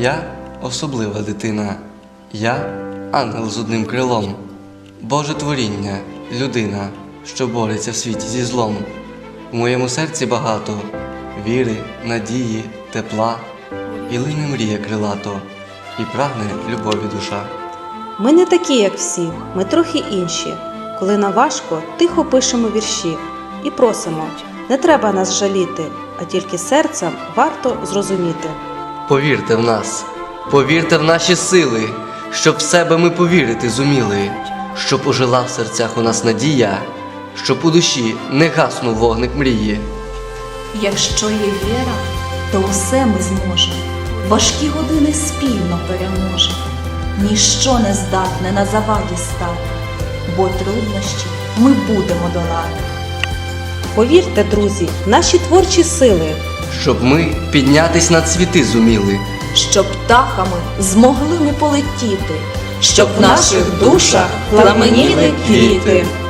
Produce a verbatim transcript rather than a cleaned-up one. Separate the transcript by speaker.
Speaker 1: Я особлива дитина, я ангел з одним крилом, Боже творіння, людина, що бореться в світі зі злом. В моєму серці багато віри, надії, тепла, і лине мрія крилато, і прагне любові душа.
Speaker 2: Ми не такі, як всі, ми трохи інші. Коли нам важко, тихо пишемо вірші і просимо, не треба нас жаліти, а тільки серцем варто зрозуміти.
Speaker 1: Повірте в нас, повірте в наші сили, щоб в себе ми повірити зуміли, щоб ожила в серцях у нас надія, щоб у душі не гаснув вогник мрії.
Speaker 3: Якщо є віра, то усе ми зможемо, важкі години спільно переможемо. Ніщо не здатне на заваді стати, бо труднощі ми будемо долати.
Speaker 2: Повірте, друзі, в наші творчі сили,
Speaker 1: Щоб ми піднятись над світи зуміли,
Speaker 3: Щоб птахами змогли ми полетіти, щоб в наших душах пламеніли квіти.